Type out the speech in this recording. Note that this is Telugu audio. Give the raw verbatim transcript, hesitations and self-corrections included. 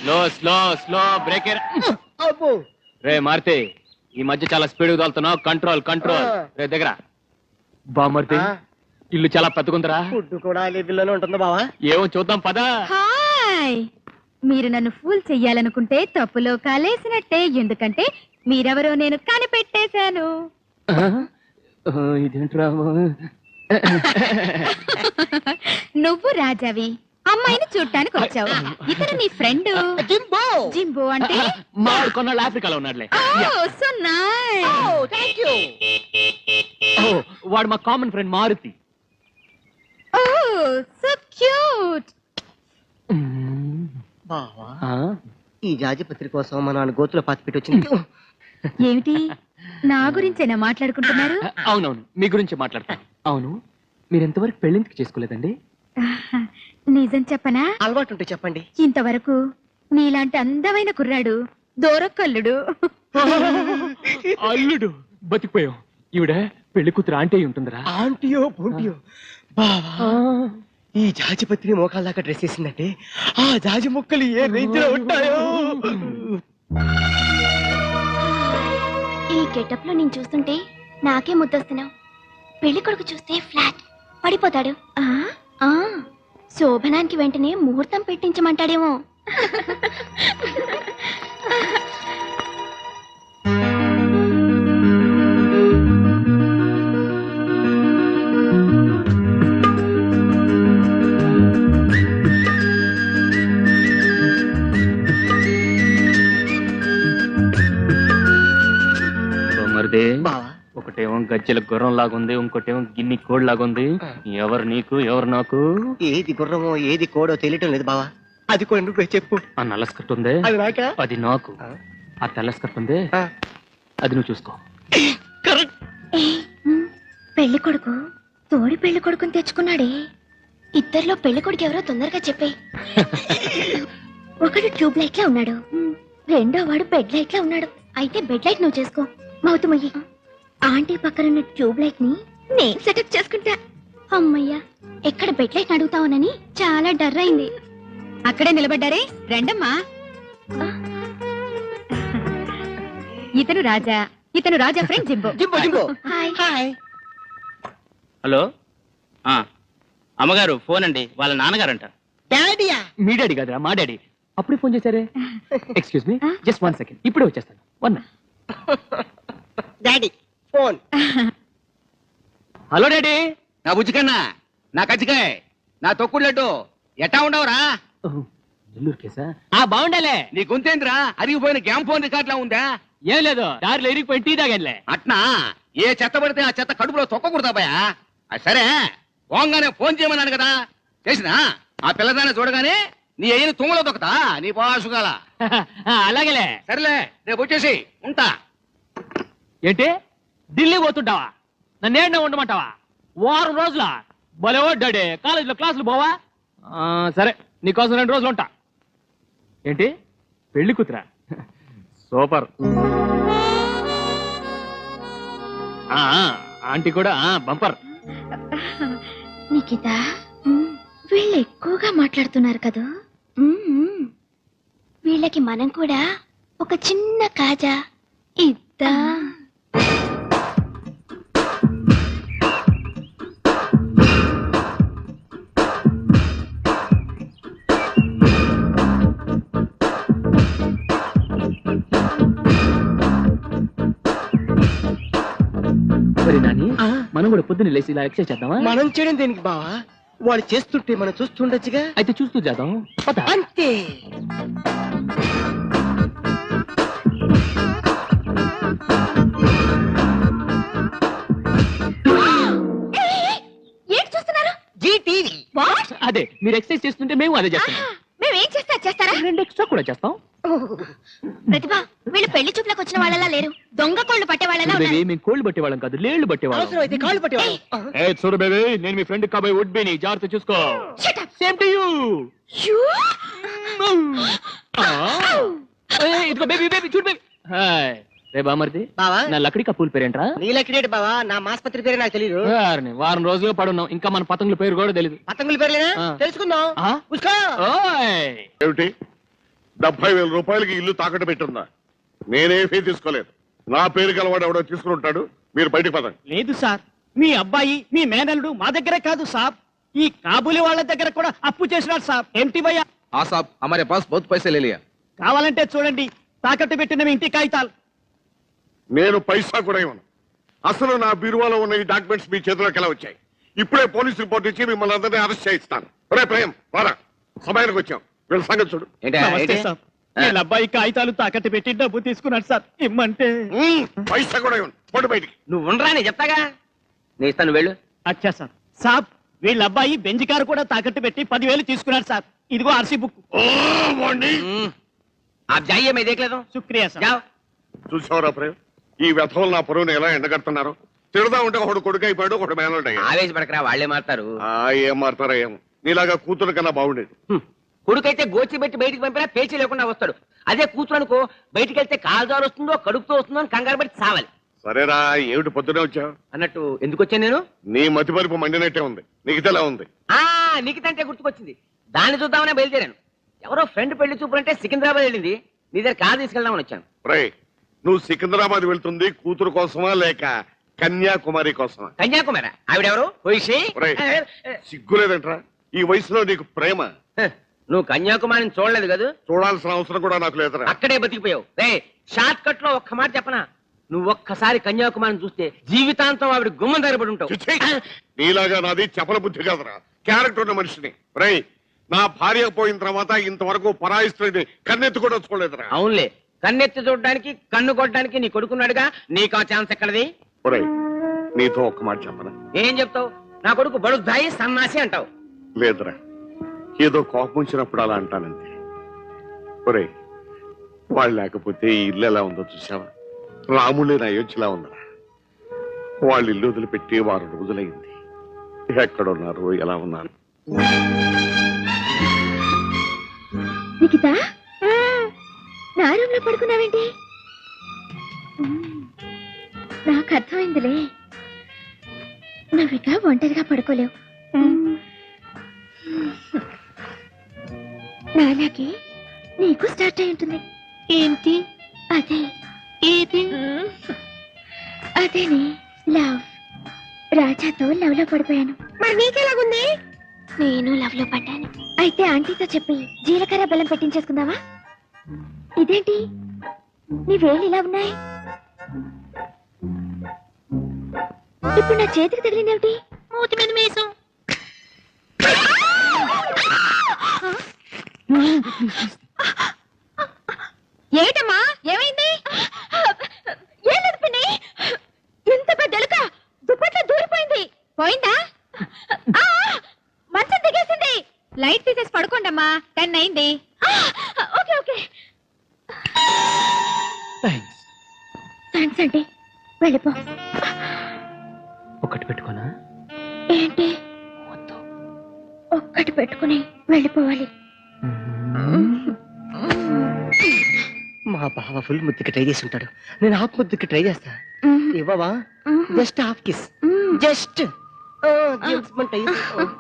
స్లో స్లో స్లో బ్రేక్ రే మారుతి ఈ మధ్య చాలా స్పీడ్ తోలుతున్నావు కంట్రోల్ కంట్రోల్ రే దగ్గర బామర్తి ఇల్లు చాలా పెద్దగుందరా ఫుడ్ కూడా ఇల్లులోనే ఉంటుంది బావా ఏమో చూద్దాం పదా హాయ్ మీరు నన్ను ఫూల్ చెయ్యాలనుకుంటే తప్పులో కాలేసినట్టే ఎందుకంటే మీరెవరో నేను కనిపెట్టేశాను ఇదేంట్రా నువ్వు రాజావి అమ్మాయిని చూడటానికి వచ్చావు ఇతను నీ ఫ్రెండ్ జింబో జింబో అంటే మాడు కొన్నాళ్ళు ఆఫ్రికాలో ఉన్నాడులే సో నైస్ థ్యాంక్ యూ వాడు మా common friend Maruti oh so cute బావా ఈ జాజిపత్రి కోసం మా నాన్న గోతులో పాతి పెట్టి వచ్చింది ఏమిటి నా గురించేనా మాట్లాడుకుంటున్నారు అవునవును మీ గురించి మాట్లాడతాను అవును మీరు ఎంతవరకు పెళ్ళింటికి చేసుకోలేదండి నిజం చెప్పనా అలవాటు ఉంటే చెప్పండి ఇంతవరకు నీలాంటి అందమైన కుర్రాడు దూరకల్లుడు అల్లుడు బతికిపోయాం ఈవిడ పెళ్లి కూతురు ఆంటీ అయి ఉంటుందిరా ఆంటీయో బూంటియో బావా ఈ జాజిపత్రి మోకాల దాకా డ్రెస్ వేసిందంటే ఆ జాజి ముక్కలు ఏ రేంజ్ లో ఉంటాయో ఈ గెటప్ లో నేను చూస్తుంటే నాకే ముద్దొస్తున్నావు పెళ్లి కొడుకు చూస్తే ఫ్లాట్ పడిపోతాడు ఆ శోభనానికి వెంటనే ముహూర్తం పెట్టించమంటాడేమో బావా ఒకటేమో గజ్జల గుర్రం లాగుంది ఇంకోటేమో గిన్ని కోడ్ లాగుంది ఎవరు నీకు ఎవరు నాకు ఏది గుర్రమో ఏది కోడో తెలియటం లేదు బావా అది కూడా నువ్వే చెప్పు ఆ నల్ల స్కర్ట్ ఉంది అది నాకా అది నాకు ఆ తెల్ల స్కర్ట్ ఉంది అది నువ్వు చూసుకో పెళ్లి కొడుకు తోడి పెళ్లి కొడుకుని తెచ్చుకున్నాడే ఇద్దరిలో పెళ్లి కొడుకు ఎవరో తొందరగా చెప్పే ఒకడు ట్యూబ్ లైట్ లా ఉన్నాడు రెండో వాడు బెడ్ లైట్ లా ఉన్నాడు అయితే బెడ్ లైట్ నువ్వు చేసుకో మౌతమయ్యి ఆంటీ పక్కనున్న ట్యూబ్ లైట్ ని నేను సెటప్ చేసుకుంటా అమ్మయ్యా ఎక్కడ బెడ్ లైట్ అడుగుతావునని చాలా డర్ అయింది అక్కడే నిలబడ్డారే రండమ్మా ఇతను రాజా ఇతను Raja friend Jimbo Jimbo Jimbo hi hi hello అమ్మగారు ఫోన్ అండి వాళ్ళ నాన్నగారంట డాడీయా మీ డాడీ కదరా మా డాడీ అప్పుడే ఫోన్ చేశారే excuse me just one second ఇప్పుడే వచ్చేస్తాను one daddy phone hello daddy నా బుజ్జికన్నా నా కజ్జికాయ నా తొక్కుడు లడ్డు ఎట్టా ఉండవురా నెల్లూరు కేసా ఆ బాగుండాలే నీ గొంతేంద్రా అరిగిపోయిన గ్యామ్ ఫోన్ రికార్డ్ లా ఉందా ఏం లేదు దారిలో ఇరిగిపోయి టీ తాగలే అట్నా ఏ చెత్త పడితే ఆ చెత్త కడుపులో తొక్కకూడదా భయ సరే పోంగానే ఫోన్ చేయమన్నాను కదా చేసినా ఆ పిల్లదాన్ని చూడగానే నీ అయిన తుమ్మలో దొక్కతా నీ పాసుగాల అలాగేలే సరేలే రేపు వచ్చేసి ఉంటా ఏంటి ఢిల్లీ పోతుంటావా నన్నేళ్ళ ఉండమంటావా వారం రోజుల భలేవో డాడీ కాలేజీలో క్లాసులు పోవా సరే నీకోసం రెండు రోజులు ఉంటా ఏంటి పెళ్లి కూతురా సూపర్ ఆంటీ కూడా బంపర్ నిఖిత వీళ్ళు ఎక్కువగా మాట్లాడుతున్నారు కదా వీళ్ళకి మనం కూడా ఒక చిన్న కాజా ఇద్దా నాని మనం కూడా పొద్దున్న లేచి ఇలా ఎక్సైజ్ చేద్దామా మనం చేయడం దేనికి బావా వాడు చేస్తుంటే మనం చూస్తుండొచ్చుగా అయితే చూస్తూ చేద్దాం అంతే ఏంటి చూస్తున్నారు జీటీవీ అదే మీరు ఎక్సైజ్ చేస్తుంటే మేము అదే చేస్తాం మేము ఏం చేస్తా చేస్తారా రెండు ఎక్స్ట్రా కూడా చేస్తాం ప్రతిభ వీళ్ళు పెళ్లి చూపులకు వచ్చిన వాళ్ళలా లేరు దొంగ కోళ్ళు పట్టే వాళ్ళలా బేబీ మేము కోళ్ళు పట్టేవాళ్ళం కాదు లేళ్లు పట్టేవాళ్ళం అవసరం అయితే కాళ్ళు పట్టేవాడు ఏ చూడు బేబీ నేను మీ ఫ్రెండ్ కాబోయే వుడ్ బీని జాగ్రత్త చూసుకో సేమ్ టు యూ ఇదిగో బేబీ బేబీ చూడు బేబీ హాయ్ రే బామర్ది బావా నా లక్కడి కప్పుల పేరేంట్రా నీలకిడేటి బావా నా మాస్పత్రి పేరు నాకు తెలియదు వారిని వారం రోజులు పడున్నాం ఇంకా మన పతంగుల పేరు కూడా తెలియదు పతంగుల పేర్లేనా ఆ. తెలుసుకుందాం ఆ? ఉస్కో. ఓయ్ ఏమిటి డెబ్బై వేల రూపాయలకి ఇల్లు తాకట్టు పెట్టుందా? నేనే ఫీ తీసుకోలేదు. నా పేరు గలవాడు ఎవడో తీసుకుని ఉంటాడు. మీరు బయటకు పదండి. లేదు సార్, మీ అబ్బాయి మీ మేనల్లుడు మా దగ్గరే కాదు సార్, ఈ కాబూలి వాళ్ళ దగ్గర కూడా అప్పు చేసినాడు సార్. ఏంటి భయ్యా? हाँ साहब, हमारे पास बहुत पैसे ले लिया। కావాలంటే చూడండి, తాకట్టు పెట్టిన మీ ఇంటి కాగితాలు. నేను పైసా కూడా ఇవ్వను. అసలు నా బీరువాలో ఉన్న ఈ డాక్యుమెంట్స్ మీ చేతిలోకి ఎలా వచ్చాయి? ఇప్పుడే పోలీస్ రిపోర్ట్ ఇచ్చి మిమ్మల్ని అందరినీ అరెస్ట్ చేయిస్తాను. రే ప్రేమ్, రారా, సమయానికి వచ్చాం. వీళ్ళ సంగతి చూడు. నమస్తే సార్, వీళ్ళ అబ్బాయి కాగితాలు తాకట్టు పెట్టి డబ్బు తీసుకున్నాడు సార్. ఇమ్మంటే ఉమ్, పైసా కూడా ఇవ్వను. పోటీ బయటికి. నువ్వు ఉండరా, నేను చెప్తాగా. నేను ఇస్తాను, వెళ్ళు. అచ్చా సార్. సాబ్, వీళ్ళ అబ్బాయి బెంజ్ కారు కూడా తాకట్టు పెట్టి పదివేలు తీసుకున్నాడు సార్. ఇదిగో ఆర్సీ బుక్. ఓ, వాణ్ణి. आप जाइए, मैं देख लेता हूँ। శుక్రియా సార్. जाओ। చూసావురా ప్రేమ్, ఈ వ్యథలు నా పొరువుని ఎలా ఎండగడుతున్నారు. తిడదా ఉంటే ఒకడు కొడుకు అయిపోయాడు, ఒకడు మేనల్డ్ అయ్యాడు. ఆవేశపడకరా, వాళ్లే మారుతారు. ఆ, ఏం మారుతారా ఏమో. నీలాగా కూతురు కన్నా బాగుండేది. కొడుకైతే గోచి పెట్టి బయటికి పంపినా పేచీ లేకుండా వస్తాడు. అదే కూతురు అనుకో, బయటికి వెళ్తే కాలుదారు వస్తుందో కడుపుతో వస్తుందో అని కంగారు పట్టి చావాలి. సరేరా, ఏమిటి పొద్దునే వచ్చావు? అన్నట్టు ఎందుకు వచ్చాను నేను? నీ మతి పరిపు మండినట్టే ఉంది. నీకు తెలా ఉంది. ఆ నీకుతంటే గుర్తుకొచ్చింది, దాన్ని చూద్దామనే బయలుదేరాను. ఎవరో ఫ్రెండ్ పెళ్లి చూపులు అంటే సికింద్రాబాద్ వెళ్ళింది, నీ దగ్గర కారు తీసుకెళ్దామని వచ్చాను. రే, నువ్వు సికింద్రాబాద్ వెళ్తుంది కూతురు కోసమా లేక కన్యాకుమారి కోసమా? కన్యాకుమారి. ఆవిడెవరు? పోయిషి. ఒరేయ్, సిగ్గులేదంట్రా ఈ వయసులో నీకు ప్రేమ? నువ్వు కన్యాకుమారిని చూడలేదు కదా? చూడాల్సిన అవసరం కూడా నాకు లేదురా. అక్కడే బతికిపోయావు. రే, షార్ట్ కట్ లో ఒక్క మాట చెప్పనా, నువ్వు ఒక్కసారి కన్యాకుమారిని చూస్తే జీవితాంతం ఆవిడ గుమ్మం దగ్గరపడి ఉంటావు. చిచ్చి, నీలాగా నాది చపల బుద్ధి కాదురా, క్యారెక్టర్ ఉన్న మనిషిని. రే, నా భార్య పోయిన తర్వాత ఇంతవరకు పరాయి స్త్రీని కన్నెత్తి కూడా చూడలేదురా. అవునులే, కన్నెత్తి చూడడానికి కన్ను కొట్టడానికి నీ కొడుకున్నాడుగా, నీకు ఆ ఛాన్స్ ఎక్కడది? ఒరే, నీతో ఒక్క మాట చెప్పనా? ఏం చెప్తావు? నా కొడుకు బడుద్దాయి సన్నాసి అంటావు. లేదురా, ఏదో కోపం వచ్చినప్పుడు అలా అంటానంతే. ఒరే, వాళ్ళు లేకపోతే ఈ ఇల్లు ఎలా ఉందో చూసావా? రాముళ్ళని అయోధ్యలా ఉందరా. వాళ్ళు ఇల్లు వదిలిపెట్టి వారం రోజులైంది. ఎక్కడున్నారు, ఎలా ఉన్నారు? నిఖిత, నా రూమ్ లో పడుకున్నావేంటి? నాకు అర్థమైందిలే, నువ్విక ఒంటరిగా పడుకోలేవు. నాలాగే నీకు స్టార్ట్ అయి ఉంటుంది. ఏంటి అదే? ఏది? అదేనే, లవ్. రాజాతో లవ్ లో పడిపోయాను. మరి నీకెలాగుంది? నేను లవ్ లో పడ్డాను. అయితే ఆంటీతో చెప్పి జీలకర్ర బెల్లం పెట్టించేసుకుందావా? ఇదేంటి నీ వేళ్ళు ఇలా ఉన్నాయి? ఇప్పుడు నా చేతికి తగిలిందేమిటి? మూతి మీద మేసం. ఏమిటమ్మా, ఏమైంది? ఏం లేదు పిన్ని, ఎంత పెద్ద ఎలుక దుప్పట్లో దూరిపోయింది. పోయిందా? మంచం దిగేసింది. లైట్ తీసేసి పడుకోండమ్మా, టెన్ అయింది. ఓకే ఓకే, థ్యాంక్స్ అంటే వెళ్ళిపో. ఒకటి పెట్టుకోనా? ఏంటి? ఒక్కటి పెట్టుకుని వెళ్ళిపోవాలి. మా బావ ఫుల్ ముద్దుకి ట్రై చేసి ఉంటాడు, నేను హాఫ్ ముద్దుకి ట్రై చేస్తా. ఇవ్వవా? Just half kiss, just